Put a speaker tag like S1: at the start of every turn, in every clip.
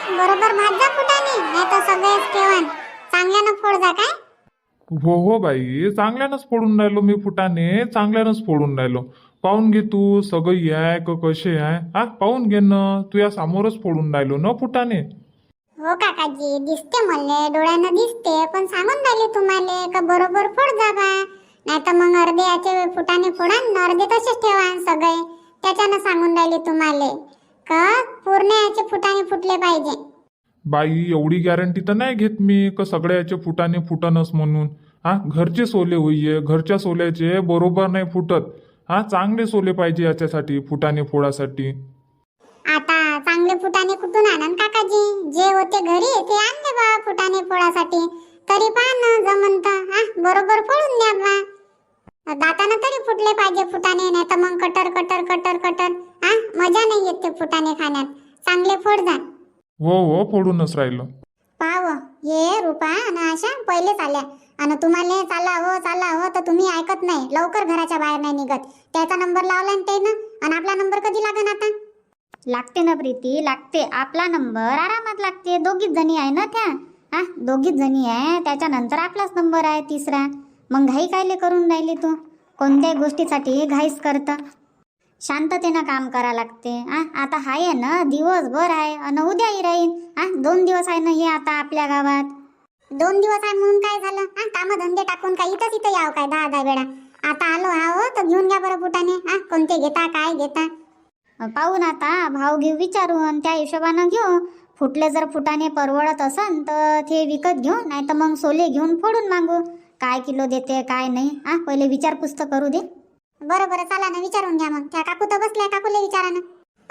S1: बरोबर भाजा फुटाने, नाही तर सगळेच ठेवान. चांगल्यानं फोड जा काय.
S2: हो हो बाई, चांगल्यानंच फोडून राहिलो मी फुटाने, चांगल्यानंच फोडून राहिलो. पाहून घे तू सगळी आहे का कसे आहे, हा पाहून घे ना, तू या समोरच फोडून राहिलो ना फुटाने.
S1: हो काकाजी, दिसते मले, डोळ्यानं दिसते, पण सांगून राहिले तुम्हाला का बरोबर फोड जा बा. नाही तर मग अर्धे याचे फुटाने फोडा न अर्धे तसेच ठेवा सगळे. त्याच्यानं सांगून राहिले तुम्हाला का पूर्ण याचे फुटाने फुटले पाहिजे.
S2: बाई एवढी गॅरंटी तर नाही घेत मी का सगळ्या याचे फुटाने फुटनच म्हणून. हा घरचे सोले होईये, घरच्या सोल्याचे बरोबर नाही फुटत. हा चांगले सोले पाहिजे याच्यासाठी फुटाने फोडासाठी.
S1: आता चांगले फुटाने कुठून आणन काकाजी, जे होते घरी ते आणले बा फुटाने फोडासाठी. तरी पहा ना जमंत, हा बरोबर फोडून द्या बा. दातानं तरी फुटले पाहिजे फुटाने, नाही तर मग कटर कटर कटर कटर, हा मजा नाही येत ते फुटाने खाण्यात. चांगले फोड जा.
S2: हो हो फोडूनच राहिलो.
S1: पाव ये रुपा आणि आशा पहिलेच आल्या आणि तुम्हाला चाला हो तर तुम्ही ऐकत नाही, लवकर घराच्या बाहेर नाही निघत. त्याचा नंबर लावला ते ना, आणि आपला नंबर कधी लागन आता. लागते ना प्रीती, लागते. आपला नंबर आरामात लागते. दोघीच जणी आहे ना त्या, हा दोघीच जणी आहे. त्याच्यानंतर आपलाच नंबर आहे तिसरा. मग घाई कायले करून राहिली तू, कोणत्याही गोष्टीसाठी घाईच करतं. शांततेनं काम करा लागते. आता आहे ना दिवसभर आहे आणि उद्याही राहील. 2 दिवस आहे ना हे आता आपल्या गावात. 2 दिवस आहे म्हणून काय झालं, काम धंदे टाकून काय इथं याव काय 10 वेळा. आता आलो आहो तर घेऊन घ्या बरं फुटाने. कोणते घेता काय घेता पाहून आता भाव घेऊ विचारून त्या हिशोबानं घेऊ. फुटले जर फुटाने परवडत असन तर ते विकत घेऊ, नाही तर मग सोले घेऊन फोडून मागू. काय किलो देते काय नाही, पहिले विचारपूस तर करू दे. बरं बरं चला ना, विचारून घ्या मग. त्या काकू तर बसल्या, काकूला विचारा ना.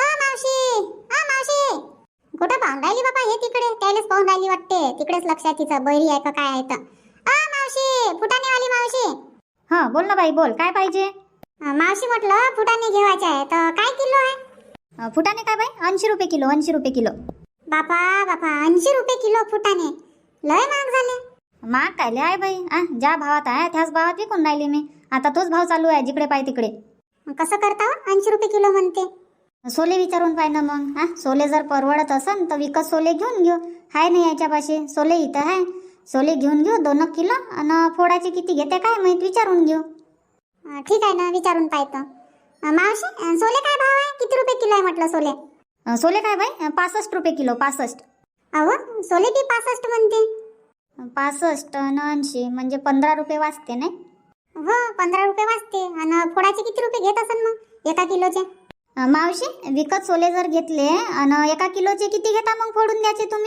S1: मावशी कुठं पाहून राहिली बाबा, हे तिकडे त्यालाच पाहून राहिली वाटते. तिकडेच लक्षात तिचं बैरी आहे का काय आहे तर. मावशी, फुटाणेवाली मावशी.
S3: हा बोल ना बाई, बोल काय पाहिजे.
S1: मावशी म्हटलं फुटाणे घेवायचे आहे तर काय किलो आहे.
S3: फुटाणे काय बाई, 80 रुपये किलो, 80 रुपये किलो.
S1: बापा 80 रुपये किलो फुटाणे, लय महाग झाले.
S3: महाग कायले आहे बाई, ज्या भावात आहे त्याच भावात विकून राहिली मी. आता तोच भाव चालू आहे जिकडे पाय तिकडे.
S1: कसं करता 80 रुपये किलो म्हणते.
S3: सोले विचारून पाय ना मग. सोले जर परवडत असन तर विकत सोले घेऊन घेऊ. हाय नाही याच्यापाशी सोले, इथं आहे. सोले घेऊन घेऊ 2 किलो आणि फोडाचे किती घेते काय माहित, विचारून घेऊ.
S1: ठीक आहे ना, विचारून पाहतो. मावशी सोले काय भाव आहे, किती रुपये किलो आहे म्हटलं सोले.
S3: सोले काय बाई 65 रुपये किलो, 65.
S1: अहो सोले बी 65 म्हणते.
S3: 65 आणि 80 म्हणजे 15 रुपये वाचते नाही.
S1: हो 15 रुपये वाचते. आणि फोडाचे किती रुपये घेत असन मग एका किलोचे.
S3: मावशी विकत सोले जर घेतले आणि 1 किलोचे किती घेता मग फोडून द्यायचे तुम्ही.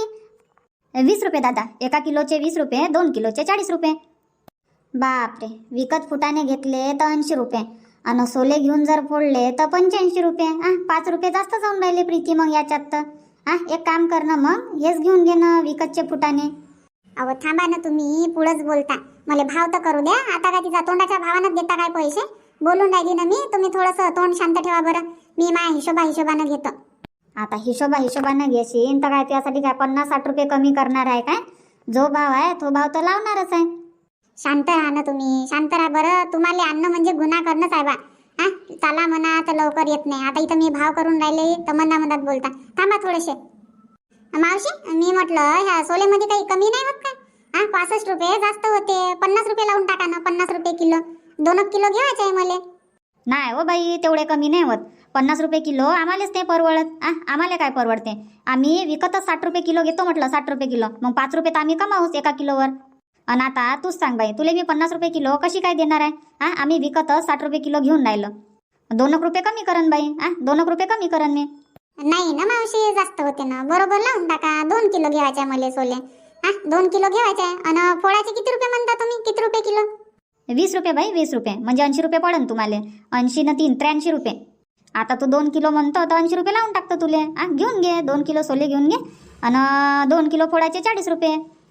S3: 20 रुपये दादा, 1 किलोचे 20 रुपये, 2 किलोचे 40 रुपये. बापरे, विकत फुटाने घेतले तर 80 रुपये आणि सोले घेऊन जर फोडले तर 85 रुपये. 5 रुपये जास्त जाऊन राहिले प्रीती मग याच्यात तर. एक काम कर ना मग, हेच घेऊन घे ना विकतचे फुटाने.
S1: अहो थांबा ना, तुम्ही पुढंच बोलता, मला भाव तर करू द्या. आता काय तिचा तोंडाच्या भावानं देता काय पैसे. बोलून राहिली ना मी, तुम्ही थोडंसं तोंड शांत ठेवा बरं. मी माझ्या हिशोबानं घेतो.
S3: आता हिशोबानं घेशील तर काय त्यासाठी काय 50-60 रुपये कमी करणार आहे काय. जो भाव आहे तो भाव तर लावणारच आहे.
S1: शांत राहा ना तुम्ही, शांत राहा बरं. तुम्हाला आणणं म्हणजे गुन्हा करणंच आहे बा. चला म्हणा तर लवकर येत नाही. आता इथं मी भाव करून राहिले तर मनात बोलता. थांबा थोडेसे. मावशी मी म्हटलं ह्या सोलेमध्ये काही कमी नाही होत काय. 65 रुपये जास्त होते. 50 रुपये लावून टाका ना, 50 रुपये किलो. 2 किलो घ्यायचे आहे मला.
S3: नाही हो बाई, तेवढे कमी नाही होत. 50 रुपये किलो आम्हालाच नाही परवडत. आम्हाला काय परवडते. आम्ही विकतच 60 रुपये किलो घेतो म्हटलं, 60 रुपये किलो. मग 5 रुपये तर आम्ही कमावूच 1 किलोवर. आणि आता तूच सांग बाई, तुला मी 50 रुपये किलो कशी काय देणार आहे. आम्ही विकतच 60 रुपये किलो घेऊन राहिलो. 2 रुपये कमी करन बाई. 2 रुपये कमी करन मी.
S1: नाही ना मावशी, जास्त होते ना. बरोबर लावून टाका. 2 किलो घ्यायचे मला सोले. 2 किलो घ्यायचे आहे. आणि फोडाचे किती रुपये म्हणता तुम्ही, किती रुपये किलो.
S3: 20 रुपये बाई, 20 रुपये म्हणजे 80 रुपये पडन तुम्हाला. 80 न 3 83 रुपये. आता तू 2 किलो म्हणतो तर 80 रुपये लावून टाकतो तुले. घेऊन घे 2 किलो सोले घेऊन घे. आणि 2 किलो फोडाचे 40 रुपये.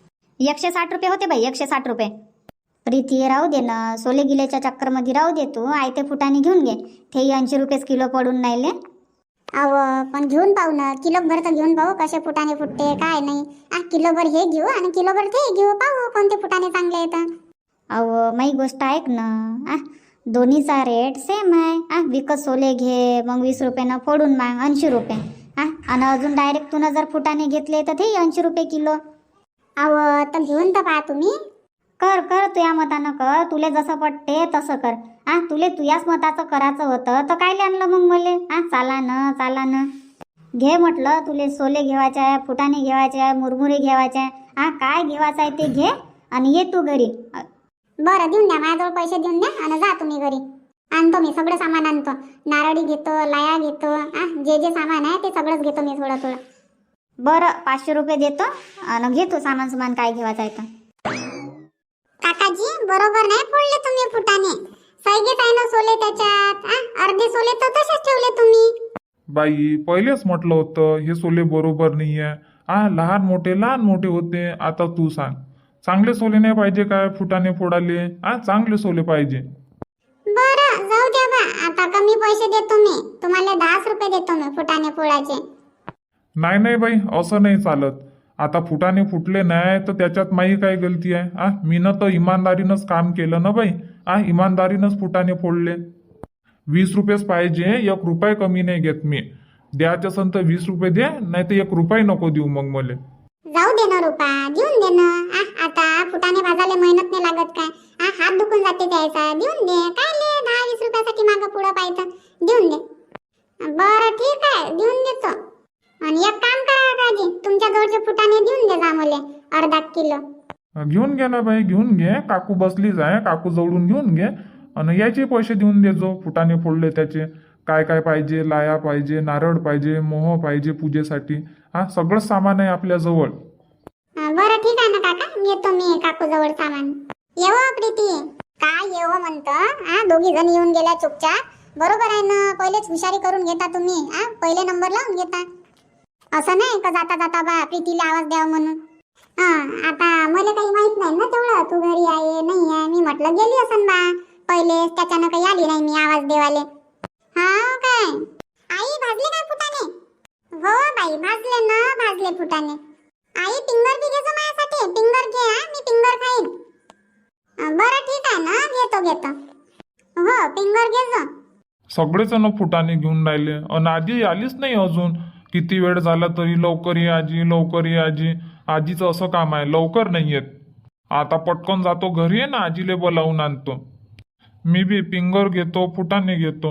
S3: 160 रुपये होते बाई, 160 रुपये. प्रीती राहू दे ना, सोले गिलेच्या चक्करमध्ये राहू दे तू. आयते फुटाने घेऊन घे. ते 80 रुपयेच किलो पडून राहिले.
S1: अहो पण घेऊन पाहू ना, किलोभर तर घेऊन पाहू कसे फुटाने फुटते काय नाही. किलोभर हे घेऊ आणि किलोभर ते घेऊ, पाहू कोणते फुटाने चांगले येतात.
S3: अहो माही गोष्ट ऐक ना. दोन्हीचा रेट सेम आहे. विकत सोले घे मग 20 रुपयानं फोडून माग 80 रुपये. हा आणि अजून डायरेक्ट तुनं जर फुटाने घेतले तर ते 80 रुपये किलो.
S1: अहो तर घेऊन तर पहा तुम्ही.
S3: कर कर तुया मतानं कर, तुले जसं पटते तसं कर. हा तुले तुयाच मताचं करायचं होतं तर काय आणलं मग मले? हा चाला ना घे म्हटलं. तुले सोले घेवायचे आहे, फुटाणे घ्यायचे आहे, मुरमुरे घ्यायचे आहे. हा काय घेवायचं आहे ते घे आणि ये तू घरी.
S1: बरं देऊन द्या, माझ्याजवळ पैसे देऊन द्या आणि जा तुम्ही घरी. आणतो मी सगळं सामान आणतो. नारळी घेतो, लाया घेतो, जे जे सामान आहे ते सगळंच घेतो मी थोडं.
S3: बरं 500 रुपये देतो आणि घे तू सामान काय घेवायचं आहे तर.
S1: काकाजी बरोबर नाही फोडले तुम्ही फुटाणे. सैगेच आहे ना सोले त्याच्यात. अर्धे सोले तर तसेच ठेवले तुम्ही.
S2: बाई पहिलेच म्हटलं होतं हे सोले बरोबर नाही आहे. लहान मोठे होते. आता तू सांग, चांगले सोले नाही पाहिजे काय फुटाणे फोडाले? चांगले सोले पाहिजे.
S1: बरं जाऊ द्या बा, आता कमी पैसे देतो मी तुम्हाला. 10 रुपये देतो मी फुटाणे फोडायचे.
S2: नाही बाई, असं नाही चालत. आता फुटाणे फुटले नाही तर त्याच्यात माझी काय गलती आहे? मीनं तर इमानदारीनंच काम केलं ना बाई. इमानदारीनंच फुटाणे फोडले. 20 रुपयेच पाहिजे, 1 रुपये कमी नाही घेत मी. द्यायचं असेल तर 20 रुपये दे, नाही तर 1 रुपये नको देऊ मग मला.
S1: जाऊ दे ना रुपा, देऊन दे ना. आता फुटाणे भाजायला मेहनत नाही लागत काय? हात दुखून जाते द्यायचा. देऊन दे. काय ले 10-20 रुपयासाठी मागं पुढं पाहिजे. देऊन दे. बरं ठीक आहे, देऊन देतो. आणि एक काम करा काकाजी, तुमच्या जवळचे फुटाणे देऊन दे जा मला अर्धा किलो.
S2: घेऊन घे ना बाई, घेऊन घे. काकू बसलीच आहे, काकू जवळून घेऊन घे आणि याचे पैसे देऊन दे. जो फुटाणे फोडले त्याचे काय काय पाहिजे, लाया पाहिजे, नारळ पाहिजे, मोह पाहिजे पूजेसाठी. सगळं सामान आहे आपल्या जवळ.
S1: बरं ठीक आहे ना काका, येतो मी काकू जवळ सामान. येवो प्रीती. काय येवो म्हणतं? दोघी जण येऊन गेल्या चुपचाप. बरोबर आहे ना, पहिलेच हुशारी करून घेता तुम्ही. पहिले नंबर लावून घेता. असं नाही का जाता जाता बा प्रीतीला आवाज द्यावा म्हणून. आता मला काही माहित नाही ना तेवढं, तू घरी आहे नाही आहे. मी म्हटलं गेली असन बा पहिलेच, त्याच्यानं काही आली नाही मी आवाज देवाले. काय आई भाजले काय फुटाणे? हो बाई भाजले ना, भाजले फुटाणे. आई पिंगर बी घेजो माझ्यासाठी. पिंगर घे. मी पिंगर खाईन. बरं ठीक आहे ना, घेतो. हो पिंगर घेजो.
S2: सगळेजण फुटाणे घेऊन राहिले आणि आजी आलीच नाही अजून. किती वेळ झाला तरी लवकर ये आजी, लवकर ये आजी. आजीचं असं काम आहे, लवकर नाही येत. आता पटकन जातो घरी आहे ना, आजीले बोलावून आणतो. मी बी पिंगर घेतो, फुटाणे घेतो.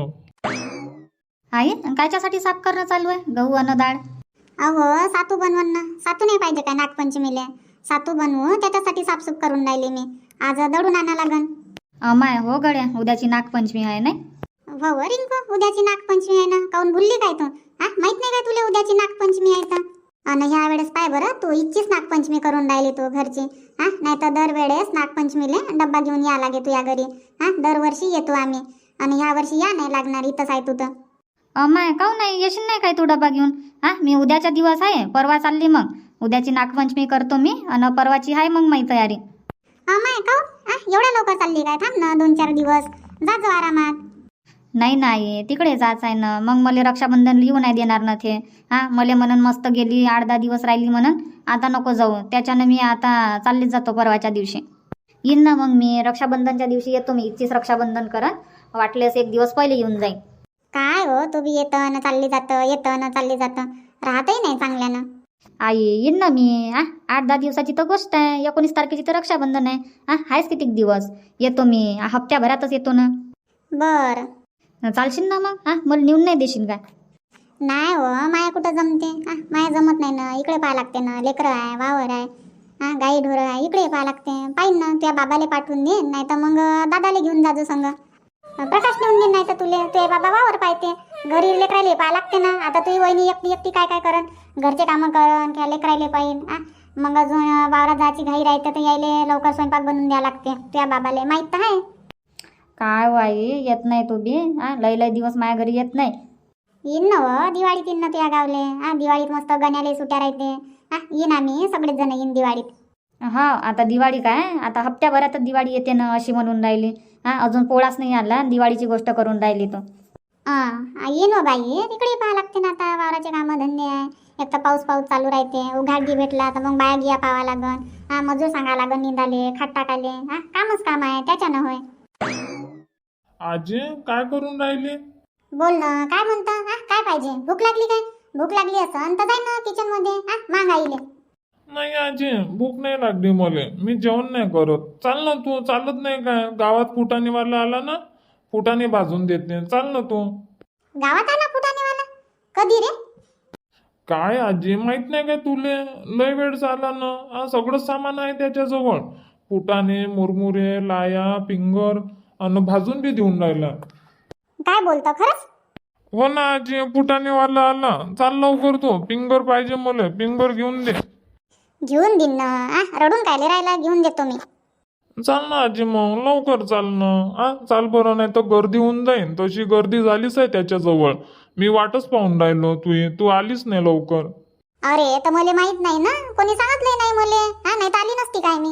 S3: आई कायच्यासाठी साफ करणं चालू आहे? गहू अन्न डाळ.
S1: अहो सातू बनवून ना. सातू नाही पाहिजे काय नागपंचमीले? सातू बनवू त्याच्यासाठी साफसूफ करून राहिली मी. आज दळून आणा लागन.
S3: अमाय हो गड्या, उद्याची नागपंचमी आहे नाही?
S1: हो रिंकू, उद्याची नागपंचमी आहे ना. काऊन भुलली काय तू? माहित नाही काय तुला उद्याची नागपंचमी आहे तर? आणि ह्या वेळेस पाय बरं, तू इच्छीच नागपंचमी करून राहिली तू घरची. नाही तर दरवेळेस नागपंचमीले डब्बा घेऊन या लागे तुझ्या घरी. दरवर्षी येतो आम्ही आणि ह्या वर्षी या नाही लागणार. इथंच आहे तू तर.
S3: अमाय काहून नाही येशील नाही काय तू डबा घेऊन? मी उद्याचा दिवस आहे, परवा चालली मग. उद्याची नागपंचमी करतो मी आणि परवाची आहे मग माझी तयारी.
S1: माय काऊन एवढ्या लवकर चालली काय? थांब ना 2-4 दिवस, जा जो आरामात.
S3: नाही तिकडे जायचं आहे ना. मग मला रक्षाबंधन लिहू नाही देणार ना ते. मला म्हणून मस्त गेली 8-10 दिवस राहिली म्हणून आता नको जाऊ. त्याच्यानं मी आता चाललीच जातो परवाच्या दिवशी. येईन ना मग मी रक्षाबंधनच्या दिवशी येतो. मी इच्छीच रक्षाबंधन करत, वाटल्यास 1 दिवस पहिले येऊन जाईन.
S1: काय हो, तू बी येतं ना चालली जातं, येतं ना चालली जातं. राहतही नाही चांगल्यानं.
S3: आई येईन ना मी. 8-10 दिवसाची तर गोष्ट आहे. 19 तारखेची तर रक्षाबंधन आहे. आहेच कितीक दिवस. येतो मी, हप्त्याभरातच येतो ना.
S1: बर
S3: चालशील ना मग? मला नेऊन नाही देशील काय?
S1: नाही हो, माया कुठं जमते. माया जमत नाही ना. इकडे पाहा लागते ना. लेकरं आहे, वावर आहे, गाई ढोरं आहे, इकडे पाहा लागते. पाहिन ना तुझ्या बाबाले पाठवून दे, नाही तर मग दादाले घेऊन जाजो संग. प्रकाश नेऊन दे, नाही तर तुझे बाबा वावर पाहते. घरी लेकराले पाहा लागते ना. आता तुझी वहिनी एकटी काय करन? घरचे कामं करन किंवा लेकराले पाहिन. मग अजून वावरात जायची घाई राहते तर यायले लवकर स्वयंपाक बनवून द्या लागते. तुझ्या बाबाले माहीत तर आहे.
S3: काय वाई येत नाही तू बी. लय दिवस माझ्या घरी येत नाही.
S1: येईन ना हो, दिवाळीत येईन ना तुझ्या गावले. दिवाळीत मस्त गण्याले सुट्या राहते. येईन आम्ही सगळेच जण येईन दिवाळीत.
S3: आता दिवाळी काय, आता हप्त्याभरातच दिवाळी येते ना अशी म्हणून राहिली. अजून पोळाच नाही आला, दिवाळीची गोष्ट करून राहिली तू.
S1: येईन हो बाई, तिकडे पाहा लागते ना. आता वावराचे कामं धंदे आहे. एक तर पाऊस चालू राहते. उघाड भेटला तर मग बाया गिया पावा लागन. मजूर सांगा लागन निंदाले, खाट टाकाले. कामच काम आहे, त्याच्यानं होय.
S2: आजी काय करून राहिले?
S1: बोल ना, काय म्हणता? काय पाहिजे? भूक लागली काय? भूक लागली असं तर जाय ना किचन मध्ये माग आईले.
S2: नाही आजी, भूक नाही लागली मला, मी जेवण नाही करत. चाल ना तू, चालत नाही काय? गावात फुटाणेवाला आला ना, फुटाणे भाजून देते, चाल ना तू.
S1: गावात आला फुटाणेवाला? कधी रे?
S2: काय आजी, माहित नाही काय तुले? लय वेळ झाला ना. सगळं सामान आहे त्याच्याजवळ. फुटाणे, मुरमुरे, लाया, पिंगर आणि भाजून बी देऊन राहिला.
S1: काय बोलतो खरंच?
S2: हो ना आजी, फुटाणेवाला आला. चाल लवकर, तो पिंगर पाहिजे मला, पिंगर घेऊन दे.
S1: घेऊन देईन ना. रडून कायले राहिला, घेऊन देतो मी.
S2: चाल ना आजी, मग लवकर चाल ना. चाल बरं, नाही तर गर्दी होऊन जाईन. तशी गर्दी झालीच आहे त्याच्याजवळ. मी वाटच पाहून राहिलो, तू आलीच नाही लवकर.
S1: अरे तर मला माहित नाही ना, कोणी सांगितलंय नाही मले. नाही तर आली नसती काय मी.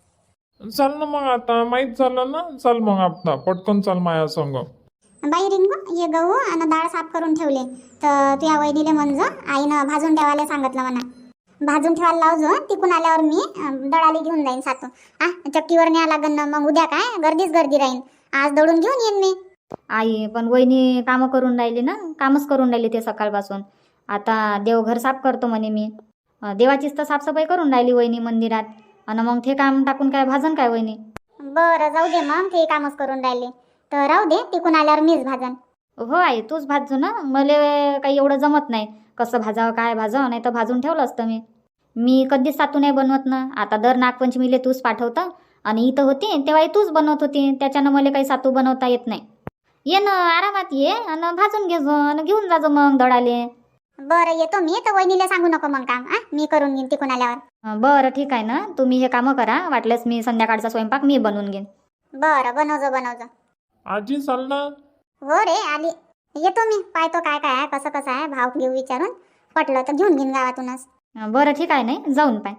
S2: चाल ना मग, आता माहित झालं ना. चाल मग आता पटकन चाल माया संग.
S1: बाई रिंगू, हे गहू आणि डाळ साफ करून ठेवले तर तू या वहिनीले म्हणजे आईनं भाजून ठेवायला सांगितलं म्हणा. भाजून ठेवायला लावजो, तिकून आल्यावर मी दळाली घेऊन जाईन सातू. चक्कीवर न्या लागन ना, मग उद्या काय गर्दीच गर्दी राहीन. आज दळून घेऊन येईन मी.
S3: आई पण वहिनी कामं करून राहिली ना, कामच करून राहिली ते सकाळपासून. आता देवघर साफ करतो म्हणे मी. देवाचीच तर साफसफाई करून राहिली वहिनी मंदिरात. आणि मग ते काम टाकून काय भाजन काय वहिनी?
S1: बरं जाऊ दे, मग ते कामच करून राहिले तर राहू दे, तिकून आल्यावर मीच भाजन.
S3: हो आई, तूच भाजजो ना. मला काही एवढं जमत नाही कसं भाजावं काय भाजावं, नाही तर भाजून ठेवलं असतं मी कधीच सातू नाही बनवत ना. आता दर नागपंचमीले तूच पाठवतं आणि इथं होती तेव्हाही तूच बनवत होती, त्याच्यानं मला काही सातू बनवता येत नाही. ये ना, आरामात ये आणि भाजून घेजो आणि घेऊन जाजो मग दळाले.
S1: बरं येतो मी, तर वहिनीला सांगू नको मग काम. मी करून घेईन तिकून आल्यावर.
S3: बरं ठीक आहे ना, तुम्ही हे कामं करा. वाटल्यास मी संध्याकाळचा स्वयंपाक मी बनवून घेईन.
S1: बरं बनवजो.
S2: आजी चाल ना.
S1: हो रे आली. येतो मी, पाहतो काय काय आहे, कसं आहे, भाव घेऊ विचारून. पटलं तर घेऊन घेईन गावातूनच.
S3: बरं ठीक आहे, नाही जाऊन पाय.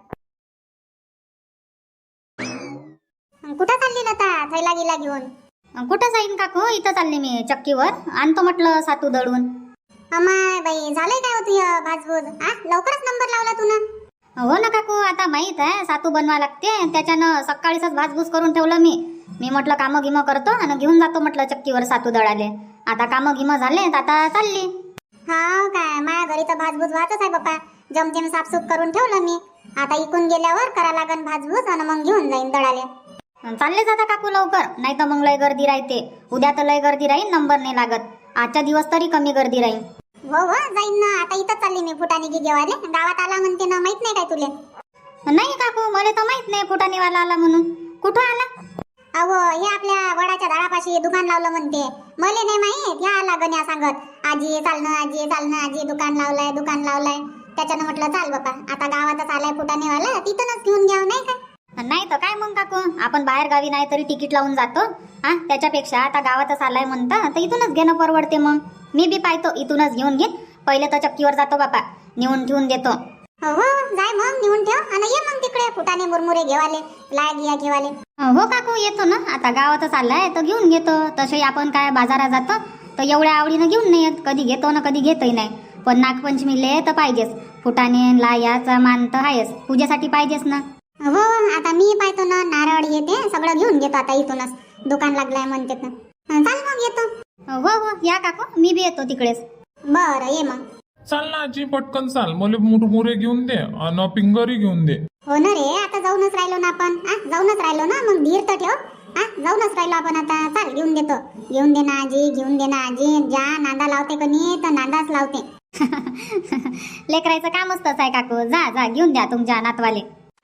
S1: कुठं चालली लता? थैला गिला घेऊन?
S3: कुठं जाईन काकू, इथं चालले मी चक्कीवर. आणतो म्हटलं सातू दळून.
S1: अमाय बाई, झालंय काय होती भाजभूज? लवकरच नंबर लावला तू ना.
S3: हो ना काकू, आता माहित आहे सातू बनवा लागते, त्याच्यानं सकाळीच भाजभूज करून ठेवलं मी म्हटलं कामं गिमं करतो आणि घेऊन जातो म्हटलं चक्कीवर सातू दळाले. आता कामं गिमं झाले, आता चालली.
S1: हा काय, माझ्या घरी तर भाजभूज वाहतच आहे बाप्पा. जमतेम साफसूफ करून ठेवलं मी. आता इकून गेल्यावर करा लागन भाजभूज आणि मग घेऊन जाईन दळाले.
S3: चालले जाता काकू लवकर, नाही तर मग लय गर्दी राहते. उद्या तर लय गर्दी राहील, नंबर नाही लागत. आजच्या दिवस तरी कमी गर्दी राहील.
S1: हो जाईन ना. आता इथं चालली मी फुटाणे की घेवाले. गावात आला म्हणते ना, माहित नाही काय तुले?
S3: नाही काकू, मला तर माहित नाही फुटाणेवाला आला म्हणून. कुठं आला?
S1: अहो हे आपल्या वडाच्या झाडापाशी दुकान लावलं म्हणते. मले नाही माहित. ह्या आला गण्या सांगत, आजी चालणं आजी दुकान लावलंय. त्याच्यानं म्हटलं चाल बापा, आता गावातच आलाय फुटाणेवाला, तिथूनच घेऊन घ्यावं नाही का?
S3: नाही तर काय मग काकू, आपण बाहेर गावी नाही तरी तिकीट लावून जातो. त्याच्यापेक्षा आता गावातच आलाय म्हणता तर इथूनच घेणं परवडते. मग मी बी पाहतो, इथूनच घेऊन घेईन. पहिले तर चक्कीवर जातो बापा, नेऊन ठेवून देतो.
S1: हो जाय मग, नेऊन ठेव आणि ये मग तिकडे फुटाणे मुरमुरे घेवाले, लाय गिया घेवाले.
S3: हो काकू येतो ना, आता गावातच आलाय तर घेऊन घेतो. तसे आपण काय बाजारात जातो तर एवढ्या आवडीनं घेऊन नाही येत. कधी घेतो ना कधी घेतही नाही. पण नागपंचमीले तर पाहिजेच फुटाणे, लायाचा मान तर आहेच, पूजेसाठी पाहिजेच ना.
S1: हो आता मी पाहतो ना, नारळ येते सगळं घेऊन घेतो. आता इथूनच दुकान लागलंय म्हणते ना. चाल मग येतो.
S3: हो या काकू, मी बी येतो तिकडेच.
S1: बरं ये मग.
S2: चाल ना आजी, पटकन चाल. मला मुरमुरे घेऊन दे आणि पिंगरी घेऊन दे.
S1: हो ना रे, आता जाऊनच राहिलो ना आपण. जाऊनच राहिलो ना, मग धीर तर ठेव. जाऊनच राहिलो आपण आता. चाल घेऊन देतो. घेऊन दे ना आजी. ज्या नांदा लावते कोणी तर नांदाच लावते.
S3: लेकरायचं कामच तसं आहे काकू. जा घेऊन द्या तुमच्या नातवाले.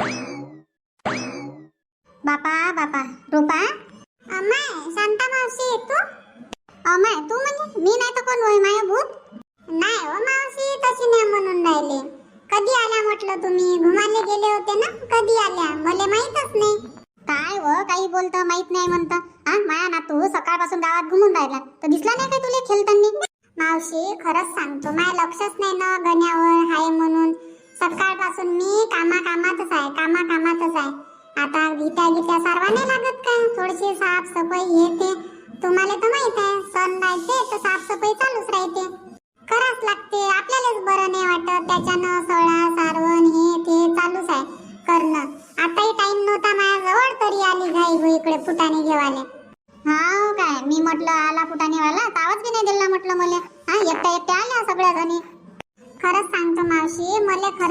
S1: बापा रूपा. अमाय शांता मावशी तू? अमाय तू म्हणजे मी नाही तर कोण होय माय भूत? नाही हो मावशी, तशी नाही म्हणून राहिले. कधी आल्या म्हटलं तुम्ही? घुमाले गेले होते ना, कधी आल्या? मला माहीतच नाही. काय हो काही बोलतं, माहित नाही म्हणतं. माया नातू सकाळपासून गावात घुमून राहिला तर दिसला नाही काय तुला खेळताना? मावशी खरंच सांगतो, माझ्या लक्षच नाही ना गण्यावर हाय म्हणून. सकाळपासून मी कामातच आहे. आता गीत्या सारवा नाही लागत का? थोडीशी साफसफाई हे ते तुम्हाला तर माहित आहे. सण राहते तर साफसफाई चालूच राहते, करावंच लागते. आपल्यालाच बरं नाही वाटत, त्याच्यानं सळा सारवण हे ते चालूच आहे करणं. आताही टाइम नव्हता माझ्याजवळ, तरी आली घाई इकडे फुटाणे घेवाले. हा काय, मी म्हटलं आला फुटाणेवाला तर आवाज बी नाही दिला म्हटलं मला. एकट्या आल्या सगळ्या जणी. खरं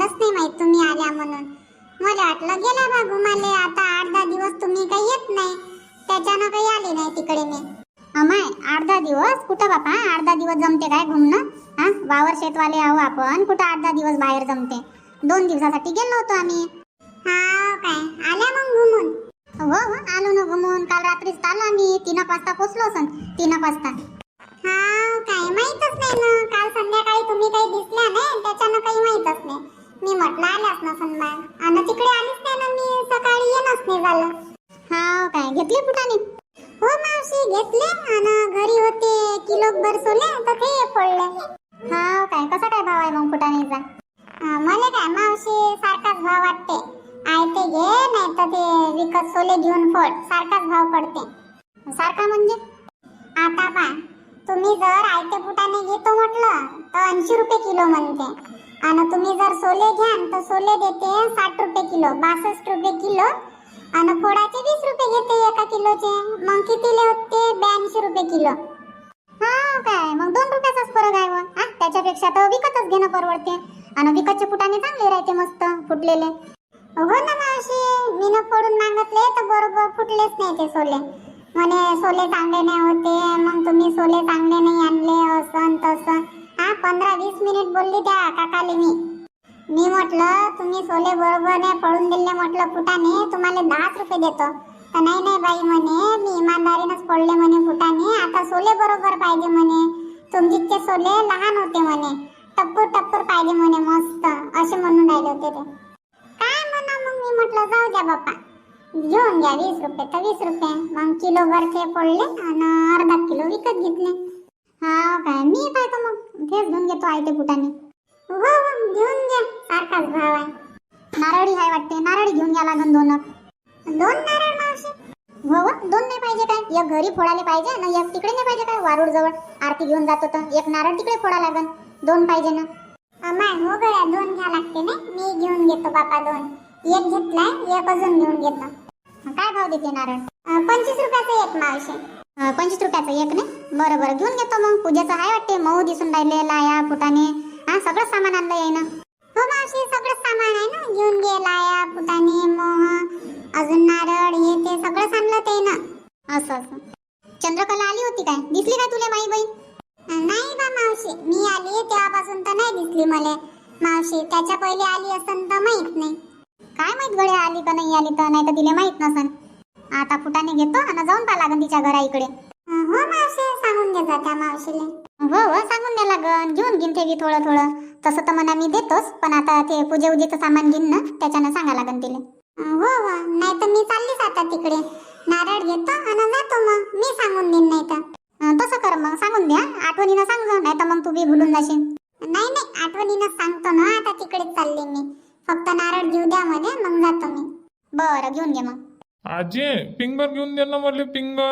S1: मलाच नाही माहित तुम्ही आल्या म्हणून. मला वाटलं गेल्या बा घुमाले. आता 8-10 दिवस तुम्ही काही येत नाही, त्याच्यानं काही आले नाही तिकडे मी. अमाय 8-10 दिवस कुठं बापा, 8-10 दिवस जमते काय घुमणं? हा, वावर शेतवाले आहो आपण, कुठं 8-10 दिवस बाहेर जमते? 2 दिवसासाठी गेलो होतो आम्ही. हा काय, आल्या मग घुमून? हो हो, आलो ना घुमून. काल रात्रीच आलो आम्ही, 3 वाजता पोचलो असन. 3 वाजता. हा काय, माहीतच नाही ना. काल संध्याकाळी तुम्ही काही दिसल्या नाही, त्याच्यानं काही माहीतच नाही. मी म्हटलं आल्याच नसन बा, आणि तिकडे आलीच नाही ना मी. सकाळी येणंच नाही झालं. हा काय, घेतले फुटाने? हो मावशी घेतले, आणि घरी होते किलोभर सोले तर ते फोडले. हा काय, कसा काय भाव आहे मग फुटाणेचा? मला काय मावशी सारखाच भाव वाटते. आयते घे नाही तर ते विकत सोले घेऊन फोड, सारखाच भाव पडते. सारखा म्हणजे? आता पा, तुम्ही जर आयते फुटाने घेतो म्हटलं तर 80 रुपये किलो म्हणते, आणि तुम्ही जर सोले घ्याल तर सोले देते 60 रुपये किलो, 62 रुपये किलो, आणि फोडाचे 20 रुपये घेते 1 किलोचे. मग कितीले होते? 82 रुपये किलो. हा काय, मग 2 रुपयाचाच फरक आहे व. त्याच्यापेक्षा तर विकतच घेणं परवडते, आणि विकतचे फुटाने चांगले राहते मस्त फुटलेले. हो ना मावशी, मी फोडून मागितले तर बरोबर फुटलेच नाही ते सोले. म्हणे सोले चांगले नाही होते, मग तुम्ही सोले चांगले नाही आणले असं तसं. 15-20 मिनिट बोलली त्या काकाले मी म्हटलं तुम्ही सोले बरोबर नाही फोडून दिले म्हटलं फुटाने, तुम्हाला 10 रुपये देतो. तर नाही बाई म्हणे, मी इमानदारीनंच फोडले म्हणे फुटाने. आता सोले बरोबर पाहिजे म्हणे, तुमचे सोले लहान होते म्हणे, टप्पूर पाहिजे म्हणे मस्त, असे म्हणून राहिले होते ते. काय म्हणा मग मी म्हटलं जाऊ द्या बाप्पा, घेऊन घ्या 20 रुपये तर 20 रुपये. मग किलोभर ते फोडले आणि अर्धा किलो विकत घेतले. हा काय, मी काय तर मग तेच घेऊन घेतो आयते फुटाने. हो घेऊन घ्या, सारखाच भाव आहे. नारळी आहे वाटते, नारळी घेऊन घ्या लागन 2. 2 नारळ मावशी? हो 2 नाही पाहिजे काय? एक घरी फोडायला पाहिजे ना, एक तिकडे नाही पाहिजे काय? वारूड जवळ आरती घेऊन जातो तर एक नारळ तिकडे फोडा लागन. 2 पाहिजे ना? अमाय हो गड्या, 2 घ्या लागते ना. मी घेऊन घेतो बापा 2. एक घेतलाय, एक अजून घेऊन घेतो. काय भाव देते नारळ? 25 रुपयाचं एक मावशी. 25 रुपयाचं एक नाही? बरं घेऊन घेतो मग. पूजेचं आहे वाटते, मऊ दिसून राहिले, लाया फुटाने, सगळं सामान आणलं आहे ना? हो मावशी, सगळं सामान आहे ना, घेऊन घे. लाया फुटाने, मोह, अजून नारळ, हे ते सगळं आणलं ते ना. असं चंद्रकला आली होती काय? दिसली काय तुला माई बहीण? नाही बा मावशी, मी आली तेव्हापासून तर नाही दिसली मला मावशी. त्याच्या पहिले आली असन तर माहित नाही. काय माहित गड्या, आली का नाही आली तर, नाही तर तिला माहित नसन. आता फुटाने घेतो आणि जाऊन पहा लागन तिच्या घरा इकडे. हो मावशी, सांगून दे जा त्या मावशीले. हो सांगून द्या लागन, घेऊन घेईन ते थोडं. तसं तर म्हणा मी देतोच, पण आता ते पूजेचं सामान घेईन ना, त्याच्यानं सांगा लागन तिला. हो नाही तर मी चाललीच आता तिकडे. नारळ घेतो आणि जातो मग. मी सांगून देईन नाही तर. तसं कर मग, सांगून द्या, आठवणीनं सांगजो, नाही तर मग तू बी भुलून जाशील. नाही आठवणीनं सांगतो ना, आता तिकडेच चालले मी. फक्त नारळ घेऊ द्या मध्ये, मग जातो मी. बरं घेऊन घे मग.
S2: आजी फिंगर घेऊन दे ना मला.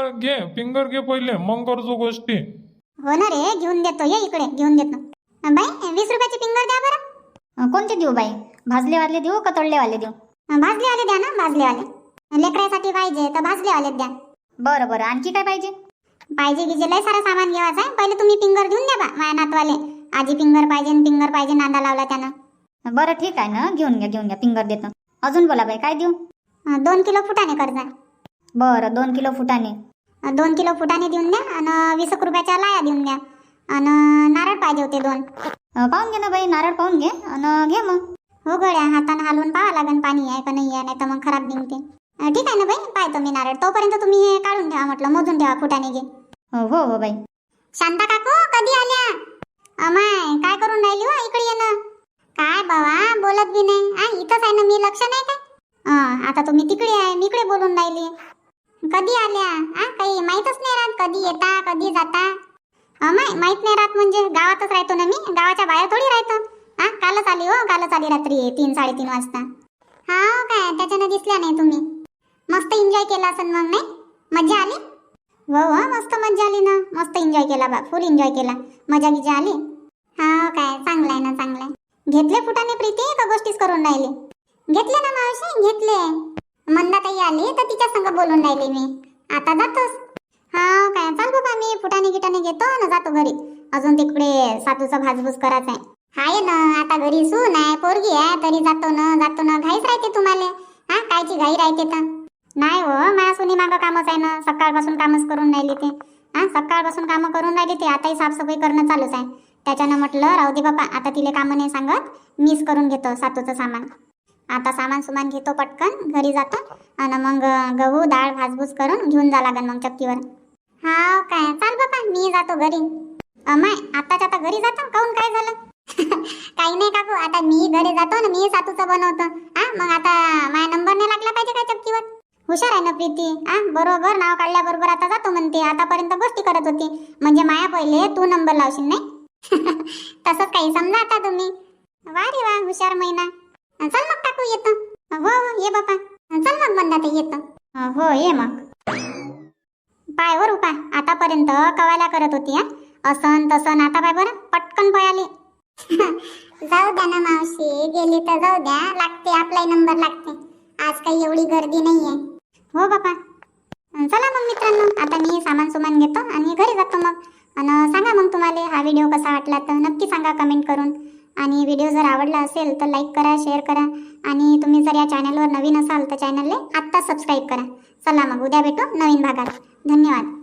S2: फिंगर घे पहिले, मग करतो गोष्टी.
S1: हो ना रे, घेऊन देतो. ये इकडे, घेऊन देतो. बाई 20 रुपयाची फिंगर द्या बरं.
S3: कोणते देऊ बाई? भाजलेवाले देऊ का तळलेवाले देऊ?
S1: भाजलेवाले द्या ना, भाजलेवाले. लेकरासाठी पाहिजे तर भाजलेवाले द्या.
S3: बरं आणखी काय पाहिजे?
S1: पाहिजे की लय सारं सामान घ्यायचं आहे. पहिले तुम्ही फिंगर घेऊन द्या बा माझ्या नातवाले. आजी फिंगर पाहिजे नांदा लावला त्यानं.
S3: बरं ठीक आहे ना, घेऊन घ्या फिंगर देतो. अजून बोला बाई, काय देऊ?
S1: 2 किलो फुटाने करजा.
S3: बरं 2 किलो फुटाने.
S1: 2 किलो फुटाने देऊन द्या, आणि 20 रुपयाच्या लाया देऊन द्या, आणि नारळ पाहिजे होते 2.
S3: पाहून घे ना बाई, नारळ पाहून घे आणि घे मग.
S1: हो गड्या, हातानं हलवून पाहा लागन पाणी आहे का नाही आहे, नाही तर मग खराब निघते. ठीक आहे ना बाई, पाहतो मी नारळ. तोपर्यंत तुम्ही हे काढून ठेवा म्हटलं, मोजून ठेवा फुटाने घे.
S3: हो बाई.
S1: शांता काकू कधी आल्या? अमाय काय करून राहिली हो, इकडे ये ना. काय बाबा बोलत बी नाही. इथंच आहे ना मी, लक्ष नाही काय? आता तुम्ही तिकडे आहे, मी इकडे बोलून राहिली. कधी आल्या? काही माहीतच नाही राहत, कधी येता कधी जाता. अमाय माहित नाही राहत म्हणजे गावातच राहतो ना मी, गावाच्या बाहेर थोडी राहतो. कालच आली रात्री 3-3:30 वाजता. हा काय, त्याच्यानं दिसल्या नाही तुम्ही. मस्त एन्जॉय केला असेल मग, नाही? मजा आली? हो मस्त मजा आली ना, मस्त एन्जॉय केला बा, फुल एन्जॉय केला. मजा गिजा आली? हा काय, चांगलं आहे ना, चांगलं आहे. घेतले फुटाने प्रीती का गोष्टीच करून राहिले? घेतले ना मावशी, घेतले. मंदाताई आली तर तिच्या संग बोलून राहिले मी. आता जातोस? हा काय, चाल बाबा, मी फुटाने गिटाने घेतो ना जातो घरी. अजून तिकडे सातूचा भाजबूज करायचा आहे. हाय ना, आता घरी सून आहे, पोरगी आहे, तरी जातो ना घाईच राहते तुम्हाला. हा, कायची घाई राहते तर? नाही हो, माझ्या सुनी मागं कामच आहे ना, सकाळपासून कामच करून राहिली ते. हा, सकाळपासून कामं करून राहिली ते, आताही साफसफाई करणं चालूच आहे. त्याच्यानं म्हटलं राहू दे बापा, आता तिले कामं नाही सांगत, मीच करून घेतो सातूचं सामान. आता सामान घेतो पटकन, घरी जातो आणि मग गहू डाळ भाजबूज करून घेऊन जा लागन मग चक्कीवर. हा काय, चाल बापा, मी जातो घरी. अमाय, आताच्या आता घरी जातो, काहून काय झालं? काही नाही काकू, आता मी घरी जातो ना, मी सातूचं बनवतो. हा, मग आता माझा नंबर नाही लागला पाहिजे काय चक्कीवर? हुशार आहे ना प्रीती. हा, बरोबर नाव काढल्याबरोबर आता जातो म्हणते. आतापर्यंत गोष्टी करत होती, म्हणजे माया पहिले तू नंबर लावशील नाही. तसंच काही समजा आता तुम्ही. वा रे वा, हुशार महिना. चल मग काकू, येतो. हो ये बापा. चल मग बंदा येतो. हो ये मग. पाय वर उपा, आतापर्यंत कवायला करत होती. हा, असन तसन, आता पाय बरं पटकन पळाली. जाऊ द्या ना मावशी, गेली तर जाऊ द्या, लागते आपलाही नंबर लागते. आज काही एवढी गर्दी नाहीये. हो बापा. चला मग मित्रांनो, आता मी सामान घेतो आणि घरी जातो मग. आणि सांगा मग तुम्हाला हा व्हिडिओ कसा वाटला तर नक्की सांगा कमेंट करून. आणि व्हिडिओ जर आवडला असेल तर लाईक करा, शेअर करा. आणि तुम्ही जर या चॅनलवर नवीन असाल तर चॅनलला आत्ता सबस्क्राईब करा. चला मग, उद्या भेटू नवीन भागात. धन्यवाद.